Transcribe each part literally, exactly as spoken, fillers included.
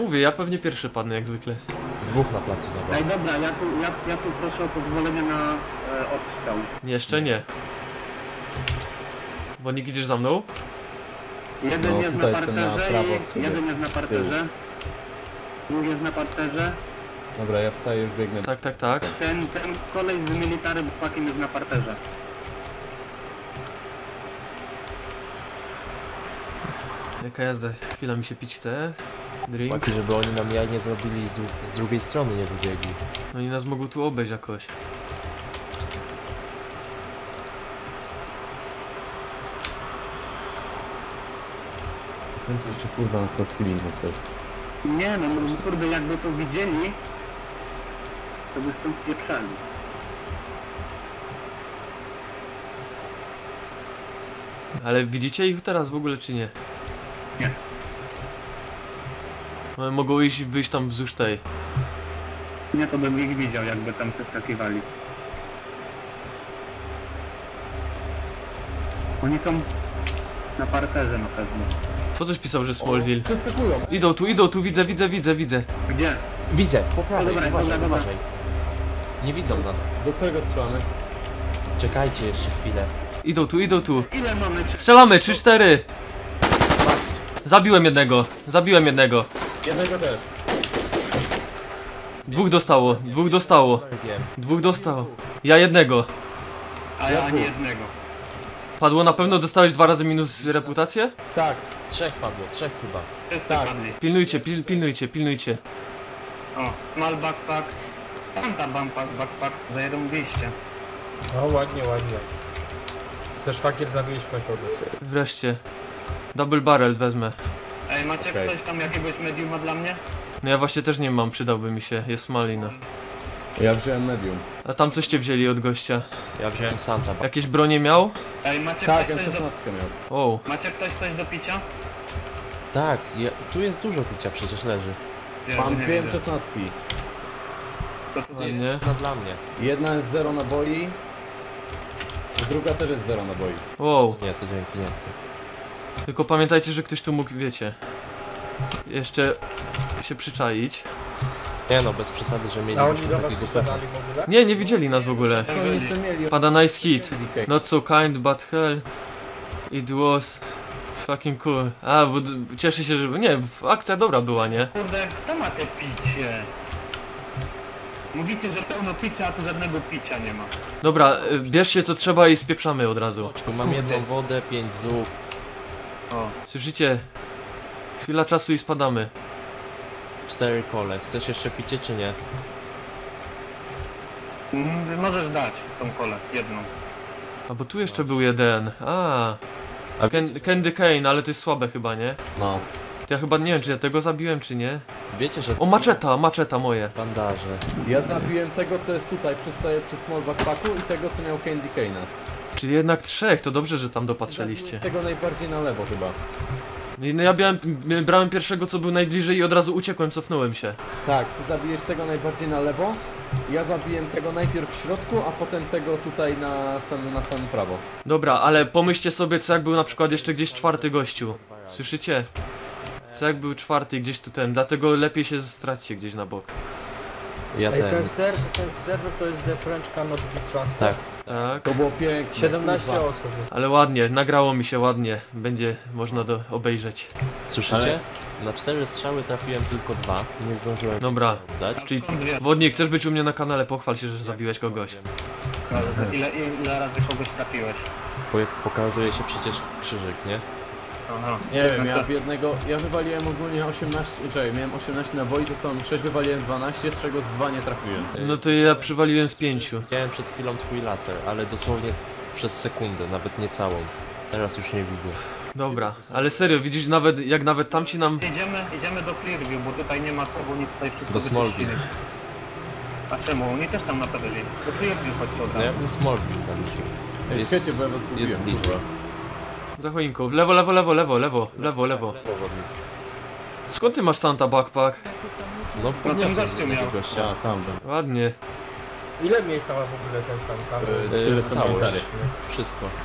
mówię, ja pewnie pierwszy padnę jak zwykle. Dwóch na placu zabaw. Ej, dobra, ja tu, ja, ja tu proszę o pozwolenie na e, odstrzał. Jeszcze nie. Wodnik, idziesz za mną? Jeden No, jest na tutaj jestem na parterze prawo i od ciebie. jeden jest na parterze. Drugi jest na parterze. Dobra, ja wstaję, już biegnę. Tak, tak, tak. Ten, ten kolej z military backpackiem jest na parterze. Jaka jazda, chwila mi się pić chce. Drink. Taki, żeby oni nam jaj nie zrobili z, dru z drugiej strony, nie wybiegli. Oni nas mogą tu obejść jakoś. Ten to jeszcze kurwa na chwili nie coś. Nie no, no kurde, jakby to widzieli, to by stąd spieprzali. Ale widzicie ich teraz w ogóle czy nie? Nie. No, mogą iść wyjść tam wzdłuż tej. Nie, to bym ich widział, jakby tam przeskakiwali. Oni są na parterze na pewno. Co coś pisał, że Smallville? Przeskakują. Idą tu, idą tu, widzę, widzę, widzę, widzę. Gdzie? Widzę, po prawej, dobra, uważaj, dobra, dobra. uważaj. Nie widzą nas. Do którego strzelamy? Czekajcie jeszcze chwilę. Idą tu, idą tu. Ile mamy? Czy... Strzelamy, trzy cztery. Zabiłem jednego, zabiłem jednego. Jednego też. Dwóch dostało, dwóch dostało. Wiem. Dwóch dostało. Ja jednego. A ja ani jednego. Padło na pewno, dostałeś dwa razy minus reputację? Tak. Trzech padło, trzech chyba. Wszyscy Tak. padli. Pilnujcie, pil, pilnujcie, pilnujcie. O, small backpack. Santa backpack, backpack zarąbiście. No ładnie, ładnie. Ze szwagier zabiłeś w końcu. Wreszcie. Double barrel wezmę. Ej, macie Okej. ktoś tam jakiegoś mediuma dla mnie? No ja właśnie też nie mam, przydałby mi się. Jest malina. Ja wziąłem medium. A tam coście wzięli od gościa? Ja wziąłem Santa. Ba- Jakieś bronie miał? Ej, macie Tak, ktoś ja coś do... szesnastkę miał. O, Macie ktoś coś do picia? Tak, ja, tu jest dużo picia, przecież leży. Ja Mam nie dwie widzę. szesnastki. To tu jest. ładnie. No dla mnie. Jedna jest zero naboi. Druga też jest zero naboi. Wow. Nie, to dzięki, nie chcę. Tylko pamiętajcie, że ktoś tu mógł, wiecie, jeszcze się przyczaić. Nie no, bez przesady, że A oni mielibyśmy do was takiego pecha. strzelali w ogóle? Nie, nie widzieli nas w ogóle. Co oni jeszcze mieli? Pada nice hit. D K. Not so kind, but hell. It was fucking cool. A, bo d- cieszę się, że... Nie, w- akcja dobra była, nie? Kurde, kto ma te picie? Mówicie, że pełno picia, a tu żadnego picia nie ma. Dobra, y, bierzcie co trzeba i spieprzamy od razu. Tu mam jedną wodę, pięć zup. O. Słyszycie? Chwila czasu i spadamy. Cztery kole. Chcesz jeszcze picie czy nie? Mm, możesz dać tą kolę, jedną. A bo tu jeszcze był jeden. A, A Ken, Candy Cane, ale to jest słabe chyba, nie? No. To ja chyba nie wiem, czy ja tego zabiłem, czy nie. wiecie, że... O, maczeta, maczeta moje. Bandaże. Ja zabiłem tego, co jest tutaj, przystaje przy small backpacku i tego, co miał Candy Cane'a. Czyli jednak trzech, to dobrze, że tam Zabiłem dopatrzyliście. tego najbardziej na lewo chyba. I No ja białem, brałem pierwszego, co był najbliżej i od razu uciekłem, cofnąłem się. Tak, ty zabijesz tego najbardziej na lewo. Ja zabiłem tego najpierw w środku, a potem tego tutaj na sam, na samym prawo. Dobra, ale pomyślcie sobie, co jak był na przykład jeszcze gdzieś czwarty gościu. Słyszycie? Co jak był czwarty gdzieś tu ten, dlatego lepiej się straćcie gdzieś na bok. Ja Ej, ten... ten, ser, ten serwer to jest The French Cannot Be Trusted. Tak. Tak. To było piękne. siedemnaście kurwa. osób jest. Ale ładnie, nagrało mi się ładnie. Będzie można do obejrzeć. Słyszycie? Ale- Na cztery strzały trafiłem tylko dwa. Nie zdążyłem Dobra. dać. Czyli Skąd wiesz? Wodnik, chcesz być u mnie na kanale, pochwal się, że zabiłeś kogoś. Ile, ile razy kogoś trafiłeś? Bo jak pokazuje się przecież krzyżyk, nie? Aha. Nie wiem, ja w jednego, ja wywaliłem ogólnie osiemnaście, czekaj, miałem osiemnaście naboi, zostało mi sześć, wywaliłem dwanaście, z czego z dwa nie trafiłem. No to ja przywaliłem z pięciu. Widziałem przed chwilą twój laser, ale dosłownie przez sekundę, nawet nie całą. Teraz już nie widzę. Dobra, ale serio, widzisz, nawet jak nawet tamci nam... Idziemy, idziemy do Clearview, bo tutaj nie ma co, bo oni tutaj wszystko Do Smallville. wyczyścili. A czemu? Oni też tam na pewno byli. Do Clearview chodźcie od No ja razu. bym Smallville zaliczył. Ej, Jest- czekajcie, bo ja was jest zgubiłem, bliżej. kurwa. Za choinką. W lewo, lewo, lewo, lewo, lewo, lewo, lewo. Powodnik. Skąd ty masz Santa backpack? No ten podniosłem gościu z tego miał. gościa. A, tam, tam. Ładnie. Ile miejsca ma w ogóle ten sam tam? Yy, Tyle co całość. military. Wszystko.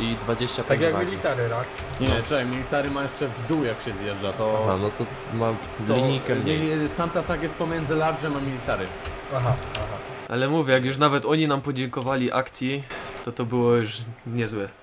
i dwadzieścia Tak pięć jak wagi. military, tak? Nie, czekaj, military ma jeszcze w dół jak się zjeżdża, to... Aha, no to mam to linijkę mniej. nie, Santa Sag jest pomiędzy large'em a military. Aha, aha. Ale mówię, jak już nawet oni nam podziękowali akcji, to to było już niezłe.